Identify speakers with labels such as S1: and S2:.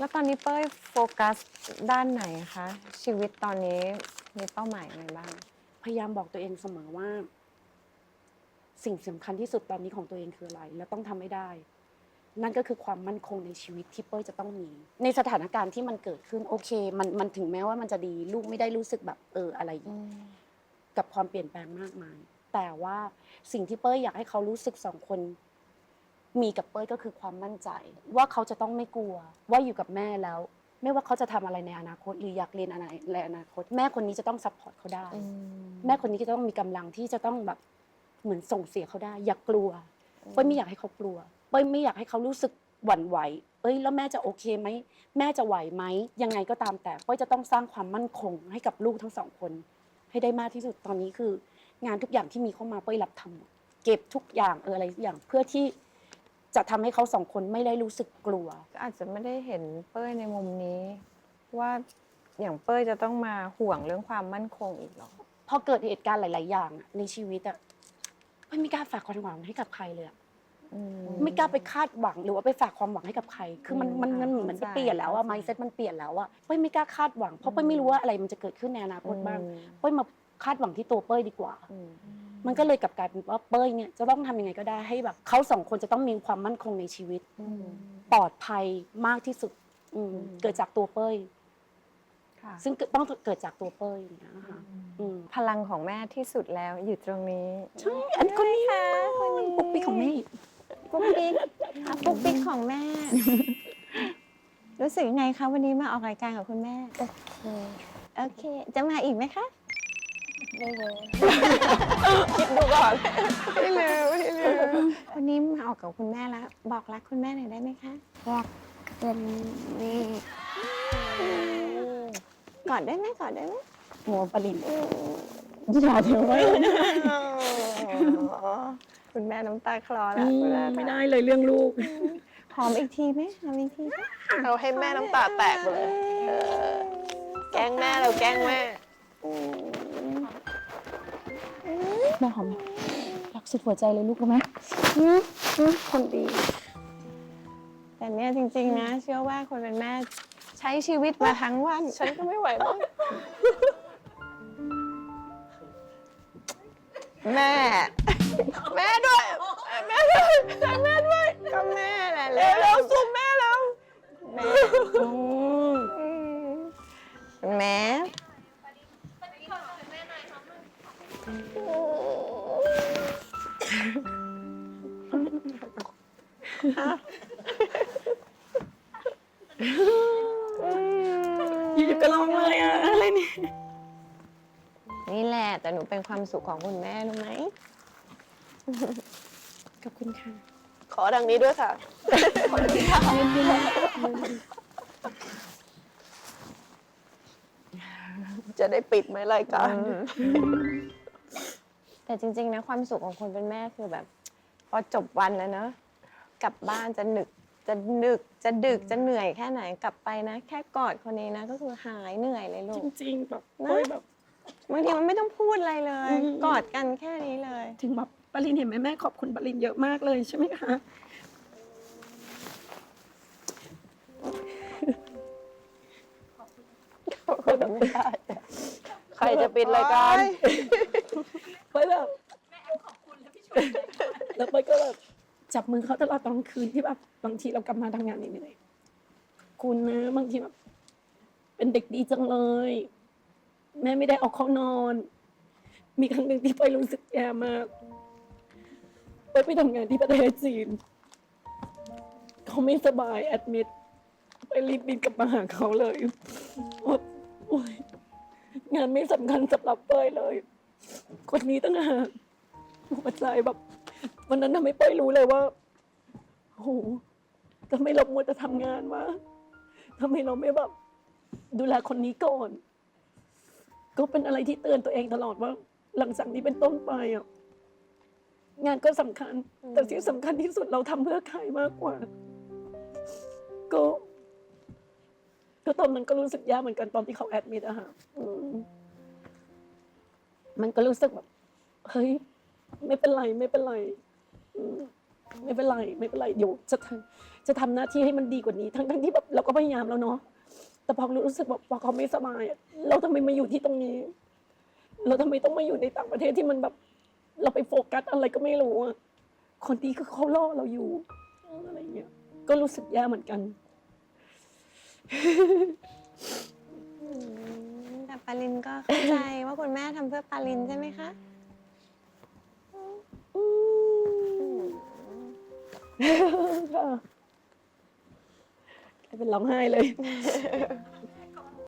S1: แล้วตอนนี้เป้ยโฟกัสด้านไหนคะชีวิตตอนนี้มีเป้าหมายอะไรบ้าง
S2: พยายามบอกตัวเองเสมอว่า สิ่งสำคัญที่สุดตอนนี้ของตัวเองคืออะไร และต้องทำให้ได้ นั่นก็คือความมั่นคงในชีวิตที่เป้ยจะต้องมี ในสถานการณ์ที่มันเกิดขึ้นโอเคมันถึงแม้ว่ามันจะดีลูกไม่ได้รู้สึกแบบอะไรกับความเปลี่ยนแปลงมากมาย แต่ว่าสิ่งที่เป้ยอยากให้เขารู้สึกสองคน มีกับเป้ยก็คือความมั่นใจ ว่าเขาจะต้องไม่กลัว ว่าอยู่กับแม่แล้ว ไม่ว่าเขาจะทำอะไรในอนาคตหรืออยากเรียนอะไรในอนาคต แม่คนนี้จะต้องซัพพอร์ตเขาได้ แม่คนนี้ก็จะต้องมีกำลังที่จะต้องแบบเหมือนส่งเสียเขาได้ อย่ากลัวเป้ยไม่อยากให้เขากลัวเป้ยไม่อยากให้เขารู้สึกหวั่นไหวแล้วแม่จะโอเคไหมแม่จะไหวไหมยังไงก็ตามแต่เป้ยจะต้องสร้างความมั่นคงให้กับลูกทั้งสองคน ให้ได้มากที่สุดตอนนี้คือ งานทุกอย่างที่มีเข้ามาเป้ยรับทำหมดเก็บทุกอย่างอะไรทุกอย่างเพื่อที่จะทำให้เขาสองคนไม่ได้รู้สึกกลัว
S1: ก็อาจจะไม่ได้เห็นเป้ยในมุมนี้ ว่าอย่างเป้ยจะต้องมาห่วงเรื่องความมั่นคงอีกหรอ
S2: พอเกิดเหตุการณ์หลาย ๆ อย่างในชีวิตอะไม่กล้าฝากความหวังให้กับใครเลยไม่กล้าไปคาดหวังหรือว่าไปฝากความหวังให้กับใครคือมันเปลี่ยนแล้วอะmindsetมันเปลี่ยนแล้วอะเป้ยไม่กล้าคาดหวังเพราะเป้ยไม่รู้ว่าอะไรมันจะเกิดขึ้นในอนาคตบ้างเป้ยมาคาดหวังที่ตัวเป้ยดีกว่ามันก็เลยกลับกลายเป็นว่าเป้ยเนี่ยจะต้องทำยังไงก็ได้ให้แบบเขาสองคนจะต้องมีความมั่นคงในชีวิตปลอดภัยมากที่สุดเกิดจากตัวเป้ยซึ่งต้องเกิดจากตัวเป้ยอย่างเงี้ยค่ะ
S1: พลังของแม่ที่สุดแล้วอยู่ตรงนี้
S2: ใช่อันคนนี้ค่ะปุ๊กปิ๊กของแม่
S1: ปุ๊กปิ๊กปุ๊กปิ๊กของแม่ รู้สึกยังไงคะวันนี้มาออกรายการกับคุณแม่โอเคจะมาอีกไหมคะไม่เลยคิดดูก่อนไม่เลยวันนี้มาออกกับคุณแม่แล้วบอกรักคุณแม่หน่อยได้ไหมคะ
S3: รักคุณแม่
S1: กอดได้ไหมกอดได้ไหม
S2: โมปรินอย่าเดี๋ยวไว้
S1: คุณแม่น้ำตาคลอแล้ว
S2: ไม่ได้เลยเรื่องลูก
S1: หอมอีกทีไหมหอมอีกที
S4: เราให้แม่น้ำตาแตกเลยแกล้งแม่เราแกล้งแม่
S2: แม่หอมรักสุดหัวใจเลยลูกรู้ไหมคนดี
S1: แต่เนี่ยจริงๆนะเชื่อว่าคนเป็นแม่ใช้ชีวิตมาทั้งวัน
S4: ฉันก็ไม่ไหวแล้ว
S1: แม่
S4: แม่ด้วยแม่ด้วยแม่ด้วย
S1: ก็แม่แหละ
S4: เร็วซุ่มแม่แล้ว
S1: แม่แม่
S2: อยู่ๆก็ร้องเลยอะไรเนี่ย
S1: นี่แหละแต่หนูเป็นความสุขของคุณแม่รู้ไหม
S2: ขอบคุณค่ะ
S4: ขอดังนี้ด้วยค่ะจะได้ปิดไหมรายการ
S1: แต่จริงๆนะความสุขของคนเป็นแม่คือแบบ พอจบวันแล้วเนอะกลับบ้านจะดึกจะเหนื่อยแค่ไหนกลับไปนะแค่กอดคนนี้นะก็คือหายเหนื่อยเลยลูก
S2: จริงๆแบบ
S1: บางทีมันไม่ต้องพูดอะไรเลยกอดกันแค่นี้เลย
S2: ถึงแบบปรินเห็นไหมแม่ขอบคุณปรินเยอะมากเลยใช่ไหมคะ
S4: ไม่ได้ใครจะปิดรายการ
S2: ไปแบบแม่แอมขอบคุณแล้วพี่ชมแล้วไปก็แบบจับมือเขาตลอดตอนคืนที่แบบบางทีเรากลับมาทำงานเหนื่อยๆคุณนะบางทีแบบเป็นเด็กดีจังเลยแม่ไม่ได้ออกเข้านอนมีครั้งหนึ่งที่ไปรู้สึกแย่มากไปทำงานที่ประเทศจีนเขาไม่สบายแอดมิดไปรีบบินกลับมาหาเขาเลยโอ๊ยงานไม่สำคัญสำหรับเป้ยเลยคนนี้ตั้งหากหัวใจแบบวันนั้นทำให้เป้ยรู้เลยว่าโอ้โหทำไมเรามัวแต่ทำงานวะทำไมเราไม่แบบดูแลคนนี้ก่อนก็เป็นอะไรที่เตือนตัวเองตลอดว่าหลังจากนี้เป็นต้นไปอ่ะงานก็สำคัญแต่ที่สำคัญที่สุดเราทำเพื่อใครมากกว่าก็ตอนนั้นก็รู้สึกยากเหมือนกันตอนที่เขาแอดมิดอะค่ะมันก็รู้สึกแบบเฮ้ยไม่เป็นไรไม่เป็นไรเดี๋ยวจะทำหน้าที่ให้มันดีกว่านี้ ทั้งที่แบบเราก็พยายามแล้วเนาะแต่พอรู้สึกแบบพอเขาไม่สบายอะเราทำไมมาอยู่ที่ตรงนี้ เราทำไมต้องมาอยู่ในต่างประเทศที่มันแบบ เราไปโฟกัสอะไรก็ไม่รู้อะคนที่คือเขาล่อเราอยู่อะไรเงี้ยก็รู้สึกแย่เหมือนกัน
S1: แต่ปาลินก็เข้าใจว่าคุณแม่ทำเพื่อปาลินใช่ไหมคะ
S2: ค่ะกลายเป็นร้องไห้เลย